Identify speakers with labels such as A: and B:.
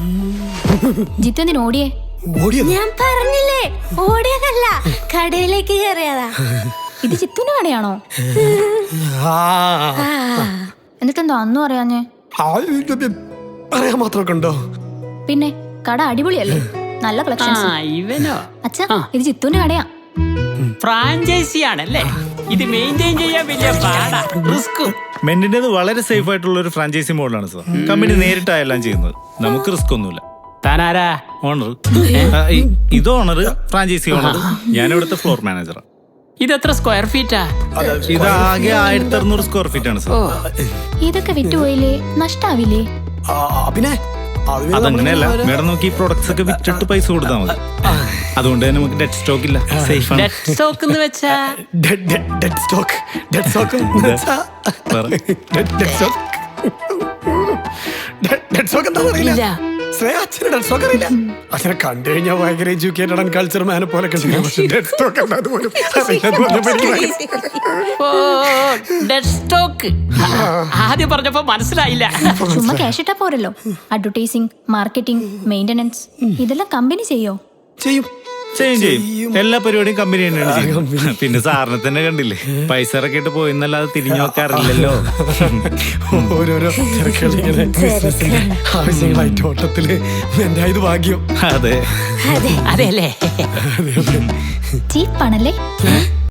A: ജിത്തു എന്തിനു ഓടിയേ?
B: ഞാൻ പറഞ്ഞില്ലേ, ഓടിയതല്ല, കടയിലേക്ക് കയറിയതാ.
A: ഇത് ചിത്തുവിന്റെ കടയാണോ? എന്നിട്ടെന്തോ അന്നും അറിയാഞ്ഞേ?
C: അറിയാൻ മാത്രമൊക്കെ ഉണ്ടോ?
A: പിന്നെ കട അടിപൊളിയല്ലേ, നല്ല കളക്ഷൻസ്.
D: ഇവനോ?
A: അച്ഛാ, ഇത് ചിത്തുവിന്റെ കടയാ.
D: ഫ്രാഞ്ചൈസി ആണല്ലേ? ഇത് മെയിൻറ്റെയിൻ ചെയ്യാൻ വലിയ പാടാ, റിസ്ക്.
E: മെന്റിന്റേത് വളരെ സേഫ് ആയിട്ടുള്ള ഒരു ഫ്രാഞ്ചൈസി മോഡലാണ് സാർ. കമ്പനി നേരിട്ടായെല്ലാം ചെയ്യുന്നത്, നമുക്ക് റിസ്ക് ഒന്നുമില്ല.
D: താനാരാ?
E: ഓണർ. ഇത് ഓണർ, ഫ്രാഞ്ചൈസി ഓണർ. ഞാൻ ഇവിടുത്തെ ഫ്ലോർ മാനേജറാണ്.
D: ഇതെത്ര സ്ക്വയർ ഫീറ്റാ?
E: ഇത് ആകെ 1600 സ്ക്വയർ ഫീറ്റ് ആണ് സാർ.
A: ഇതൊക്കെ വിറ്റുപോയില്ലേ, നഷ്ടാവില്ലേ?
C: പിന്നെ
E: അതങ്ങനെയല്ല മേഡം, നമുക്ക് ഈ പ്രൊഡക്ട്സ് ഒക്കെ വിറ്റിട്ട് പൈസ കൊടുത്താൽ മതി. അതുകൊണ്ട് തന്നെ നമുക്ക് ഡെഡ് സ്റ്റോക്ക് ഇല്ല, സേഫ് ആണ്.
D: ഡെഡ് സ്റ്റോക്ക് എന്ന് വെച്ചാ?
C: ഡെഡ് സ്റ്റോക്ക് എന്താ അറിയില്ല. അച്ഛനെ ഡെഡ് സ്റ്റോക്ക് അറിയില്ല. അച്ഛനെ കണ്ടു കഴിഞ്ഞാൽ ഭയങ്കര എഡ്യൂക്കേറ്റഡ് ആൻഡ് കൾച്ചർ മാനെ പോലെ ഡെഡ് സ്റ്റോക്ക് എന്താ പോലും
D: ഓ, ഡെഡ് സ്റ്റോക്ക് ആദ്യം പറഞ്ഞപ്പോ മനസ്സിലായില്ല.
A: ചുമ്മാ ക്യാഷ് ഇട്ടാ പോരല്ലോ. അഡ്വർടൈസിങ്, മാർക്കറ്റിംഗ്, മെയിന്റനൻസ് ഇതെല്ലാം കമ്പനി ചെയ്യോ?
C: ചെയ്യും.
E: എല്ലാ പരിപാടിയും കമ്പനി തന്നെയാണ് ചെയ്യുന്നത്. പിന്നെ സാറിനെ തന്നെ കണ്ടില്ലേ, പൈസ ഇറക്കിയിട്ട് പോയിന്നല്ലാതെ തിരിഞ്ഞു നോക്കാറില്ലല്ലോ.
C: ഓരോരോ ആവശ്യങ്ങളായിട്ട് ഓട്ടത്തില് എന്റെ ഇത് ഭാഗ്യം.
E: അതെ
D: അതെ അല്ലേ?
A: ചീപ്പാണല്ലേ?